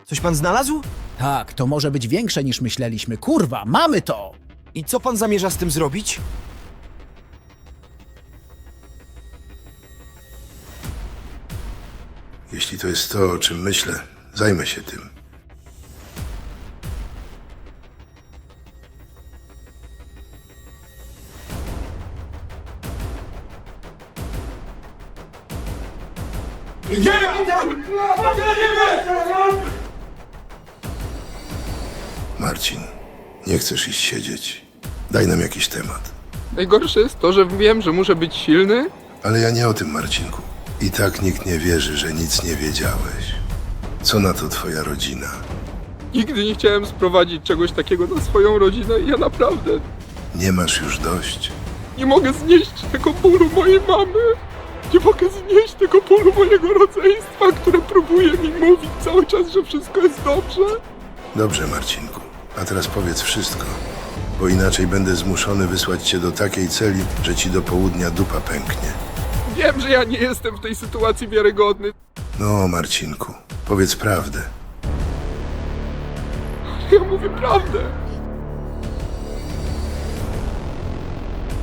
Coś pan znalazł? Tak, to może być większe niż myśleliśmy. Kurwa, mamy to! I co pan zamierza z tym zrobić? Jeśli to jest to, o czym myślę, zajmę się tym. Marcin, nie chcesz iść siedzieć. Daj nam jakiś temat. Najgorsze jest to, że wiem, że muszę być silny. Ale ja nie o tym, Marcinku. I tak nikt nie wierzy, że nic nie wiedziałeś. Co na to twoja rodzina? Nigdy nie chciałem sprowadzić czegoś takiego na swoją rodzinę i ja naprawdę Nie masz już dość? nie mogę znieść tego bólu mojej mamy. Nie mogę znieść tego bólu mojego rodzeństwa, które próbuje mi mówić cały czas, że wszystko jest dobrze. Dobrze, Marcinku. A teraz powiedz wszystko, bo inaczej będę zmuszony wysłać cię do takiej celi, że ci do południa dupa pęknie. Wiem, że ja nie jestem w tej sytuacji wiarygodny. No, Marcinku, powiedz prawdę. Ja mówię prawdę.